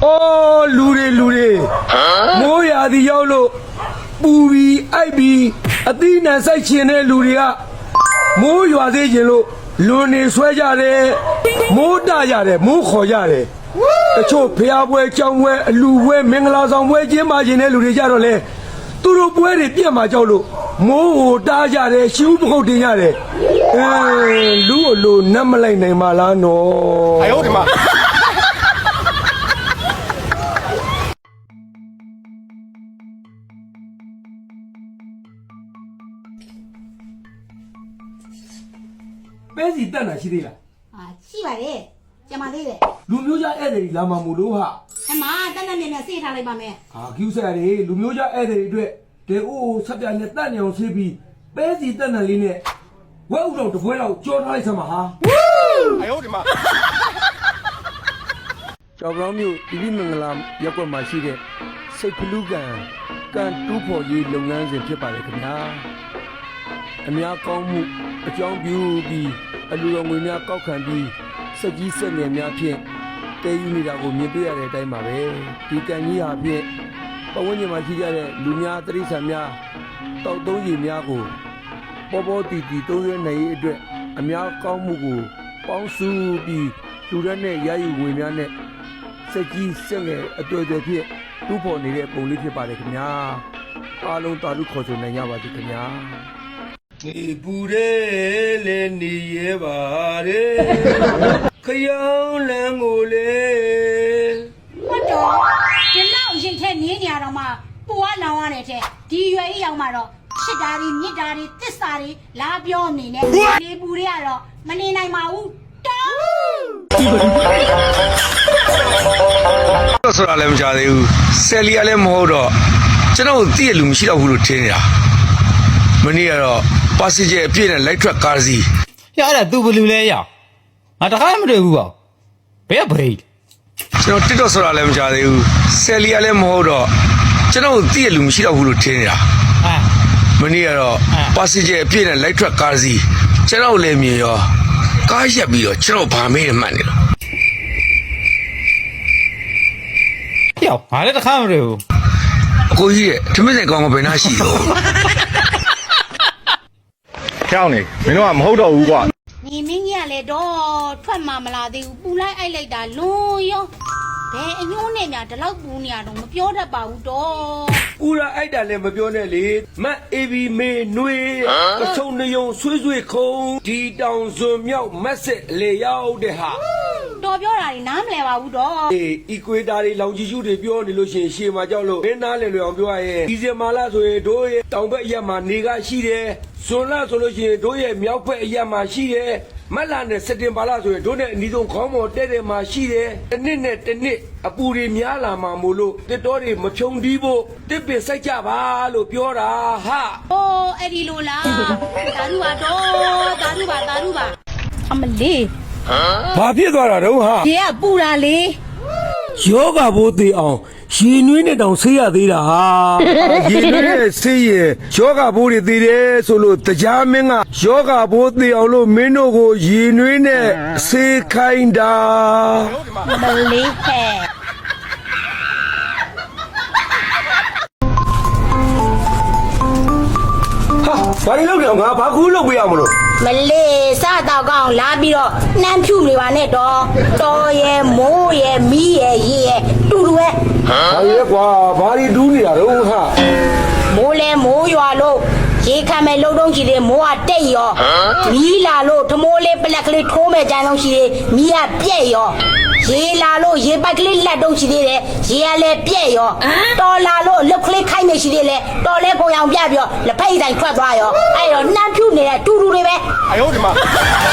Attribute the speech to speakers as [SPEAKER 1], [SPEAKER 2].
[SPEAKER 1] 哦，路的，我呀的要路，不比爱比，对南赛前的路的啊，我呀的前路，路的摔下来，我打下来，我好下来。就平位、江位、路位、明拉上位、金马前的路的下头来，都是不会的变马叫路，我打下来，修不好停下来。路那么来内马拉喏。
[SPEAKER 2] 哎呦我的妈！
[SPEAKER 1] ပဲစီတက်တာရှိသေးလား
[SPEAKER 3] ရှိပါတယ်ကျမသေးတယ်
[SPEAKER 1] လူမျိုးကြဧည့်သည်လာမှာမို့လို့ဟာ
[SPEAKER 3] အမတက်တက်မြင်မြင်စေးထားလိုက်ပါမယ်
[SPEAKER 1] ကျူးစားတယ်လူမျိုးကြဧည့်သည်အတွက်တေအိုးဆက်ပြနဲ့တက်နေအောင်ဆေးပြီးပဲစီတက်နေလေးနဲ့ဝက်ဥတော်တပွဲလောက်ကြောထားလိုက်စမ်းပါဟာ
[SPEAKER 2] 哎呦我的妈！
[SPEAKER 1] ကျော်ပြောင်းမျိုးဒီမင်္ဂလာရက်ွက်မှာရှိတဲ့စိတ်ဖလူးကန်တူးဖို့ရေးလုပ်ငန်းစဉ်ဖြစ်ပါတယ်ခင်ဗျာအများကောင်းမှုအကြောင်းပြုပြီးအလူတော်ငွေများကောက်ခံပြီးစက်ကြီးစက်ငယ်များဖြင့်တဲယူနေတာကိုမြင်တွေ့ရတဲ့အတိုင်းပါပဲဒီကန်ကြီးဟာဖြင့်ပဝန်းကျင်မှာရှိကြတဲ့လူများတရိษံများတောက်သုံးကြီးများကိုပေါ်တီသုံးရနိုင်ရေးအတွက်အများကောင်းမှုကိုပေါင်းစုပြီးလူရက်နဲ့ရယူငွေများနဲ့စက်ကြီးစက်ငယ်အတွေ့အကြုံဖြင့်တူးဖို့နေတဲ့ပုံလေးဖြစ်ပါတယ်ခင်ဗျာအားလုံးတာလူခေါ်ဆိုနိုင်ကြပါစေခင်ဗျာဒီပူရဲလေနေရပါတယ်ခရောင်းလန်းကိုလေ
[SPEAKER 3] ဟုတ်တော့ဒီလောက်ရိတ်ထဲနင်းနေရတော့မှပူကလောင်ရတယ်တဲ့ဒီရွယ်ကြီးရောက်မှတော့ချစ်တာတွေမြစ်တာတွေတစ္ဆာတွေလာပြောနေနဲ့ဒီပူတွေကတော့မနေနိုင်ပါဘူးတောင်း
[SPEAKER 4] ဆိုတာလည်းမကြသေးဘူးဆယ်လီကလည်းမဟုတ်တော့ကျွန်တော်သိရလူမရှိတော့ဘူးလို့ထင်နေတာမနေ့ကတော့ပါစီဂျယ်အပြည့်နဲ့လိုက်ထွက်ကားစီ
[SPEAKER 5] ရအဲ့ဒါသူဘလူလဲရငါတခါမှမတွေ့ဘူးပေါ့ဘယ်ကဘရိတ်
[SPEAKER 4] ကျွန်တော်တစ်တော့ဆိုတာလည်းမကြသေးဘူးဆယ်လီကလည်းမဟုတ်တော့ကျွန်တော်သိရလူမရှိတော့ဘူးလို့ထင်နေတာ
[SPEAKER 5] အာ
[SPEAKER 4] မနေ့ကတော့ပါစီဂျယ်အပြည့်နဲ့လိုက်ထွက်ကားစီကျွန်တော်လည်းမြင်ရောကားရက်ပြီးတော့ကျွန်တော်ဗာမေးနေမှတ်နေတော့
[SPEAKER 5] ပြောငါလည်းတခါမှမတွေ့ဘူး
[SPEAKER 4] အကိုကြီးရဲ့ထမင်းဆိုင်ကောင်းကဘယ်နှရှိတော့
[SPEAKER 2] 跳你，没弄啊，没好到五挂。
[SPEAKER 3] နေမင်းကြီးကလည်းတော့ထွက်မှမလာသေးဘူးပူလိုက်အိုက်လိုက်တာလွန်ရောဘယ်အညိုးနဲ့များဒီလောက်ပူနေရတော့မပြောတတ်ပါဘူးတော့
[SPEAKER 1] ဦးရအိုက်တာလည်းမပြောနဲ့လေမတ်အေဘီမေနှွေးအဆုံနယုံဆွေးခုံဒီတောင်စွန်မြောက်မက်ဆက်လေရောက်တဲ့ဟာ
[SPEAKER 3] တော်ပြောတာတွေနားမလဲပါဘူးတော့
[SPEAKER 1] အီကွေတာတွေလောင်ကြီးရှုတွေပြောနေလို့ရှိရင်ရှေ့မှာကြောက်လို့မင်းသားလည်းလွယ်အောင်ပြောရရင်ဒီဇင်မာလာဆိုရင်တို့ရဲ့တောင်ဘက်အရက်မှာနေကရှိတယ်ဇွန်လဆိုလို့ရှိရင်တို့ရဲ့မြောက်ဘက်အရက်မှာရှိတယ်မတ်လနဲ့စက်တင်ဘာလဆိုရင်တို့နဲ့အနီးဆုံးခေါင်းပေါ်တဲ့မှာရှိတယ်တစ်နှစ်နဲ့တစ်နှစ်အပူတွေများလာမှာမို့လို့တစ်တော်တွေမဖြုံတီးဖို့တစ်ပင်စိုက်ကြပါလို့ပြောတာဟာ
[SPEAKER 3] အိုးအဲ့ဒီလိုလားသာဓုပါတော့သာဓုပါအမလေး
[SPEAKER 1] ဘာဖြစ်သွားတာတော့ဟာ
[SPEAKER 3] ဒီကပူတာလေ
[SPEAKER 1] ယောဂဘိုးသေးအောင်ရေနွေးနဲ့တောင်ဆေးရသေးတာဟာရေနွေးနဲ့ဆေးရင်ယောဂဘိုးတွေသေးတယ်ဆိုလို့တရားမင်းကယောဂဘိုးသေးအောင်လို့မင်းတို့ကိုရေနွေးနဲ့ဆေးခိုင်းတာ
[SPEAKER 3] မလေးဟဲ့
[SPEAKER 1] ဟာဘာလို့လောက်တော့ငါဘာကူးလုပ်ပေးရမလို့
[SPEAKER 3] မလေးစတော့ကောင်းလာပြီးတော့နှမ်းဖြူနေပါနဲ့တော့တော်ရဲ့မိုးရဲ့မီးရဲ့ရေရဲ့တူတူပဲ
[SPEAKER 1] ဘာလဲကွာဘာတွေတူးနေတာတော့ဟာ
[SPEAKER 3] မိုးလဲမိုးရွာလို့ရေခံမဲ့လုံတုံးရှိသေးမိုးကတိတ်ရောမီးလာလို့ထမိုးလေးပလက်ကလေးထိုးမဲ့ကြမ်းလုံးရှိသေးမီးကပြက်ရောရေလာလို့ရေပိုက်ကလေးလက်တုံးရှိသေးတယ်ရေကလည်းပြက်ရောတော်လာလို့လုတ်ကလေးခိုင်းနေရှိသေးလေတော်လဲကိုအောင်ပြပြီးတော့လက်ဖက်ဆိုင်ထွက်သွားရောအဲ့တော့နှမ်းဖြူနေတဲ့တူတူတွေပဲ
[SPEAKER 2] 哎呦我的妈！